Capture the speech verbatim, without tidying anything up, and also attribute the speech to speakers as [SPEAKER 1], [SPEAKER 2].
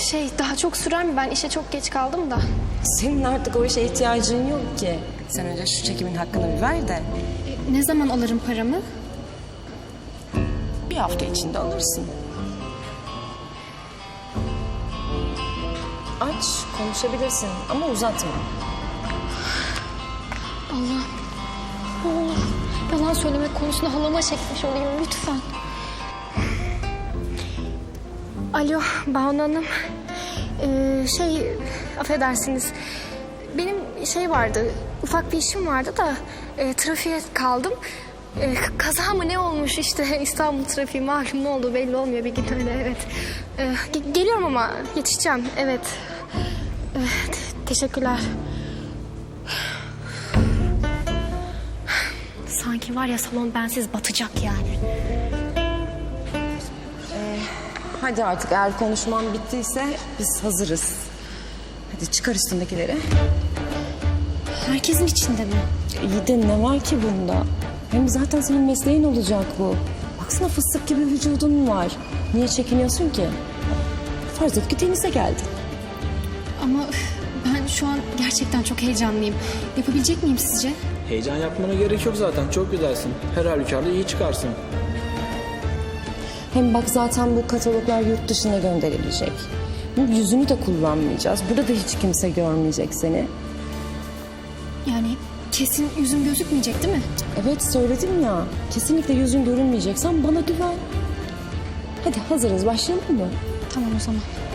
[SPEAKER 1] şey daha çok sürer mi? Ben işe çok geç kaldım da.
[SPEAKER 2] Senin artık o işe ihtiyacın yok ki. Sen önce şu çekimin hakkını bir ver de
[SPEAKER 1] E, ne zaman alırım paramı?
[SPEAKER 2] bir hafta içinde alırsın. Aç, konuşabilirsin ama uzatma.
[SPEAKER 1] Allah. Allah. Yalan söylemek konusunda halama çekmiş olayım lütfen. Alo Banu Hanım. Ee, şey affedersiniz. Benim şey vardı, ufak bir işim vardı da e, trafiğe kaldım. E, kaza mı ne olmuş işte İstanbul trafiği malum ne oldu belli olmuyor bir gün öyle evet. E, ge- geliyorum ama yetişeceğim evet. E, te- teşekkürler. Sanki var ya salon bensiz batacak yani.
[SPEAKER 2] Hadi artık eğer konuşman bittiyse biz hazırız. Hadi çıkar üstündekileri.
[SPEAKER 1] Herkesin içinde mi?
[SPEAKER 2] İyi de ne var ki bunda? Hem zaten senin mesleğin olacak bu. Baksana fıstık gibi vücudun var. Niye çekiniyorsun ki? Farz et ki denize geldin.
[SPEAKER 1] Ama ben şu an gerçekten çok heyecanlıyım. Yapabilecek miyim sizce?
[SPEAKER 3] Heyecan yapmana gerek yok zaten. Çok güzelsin. Her halükarda iyi çıkarsın.
[SPEAKER 2] Hem bak zaten bu kataloglar yurt dışına gönderilecek. Yüzünü de kullanmayacağız. Burada da hiç kimse görmeyecek seni.
[SPEAKER 1] Yani kesin yüzüm gözükmeyecek değil mi?
[SPEAKER 2] Evet söyledim ya. Kesinlikle yüzün görünmeyecek. Sen bana güven. Hadi hazırız başlayalım mı?
[SPEAKER 1] Tamam o zaman.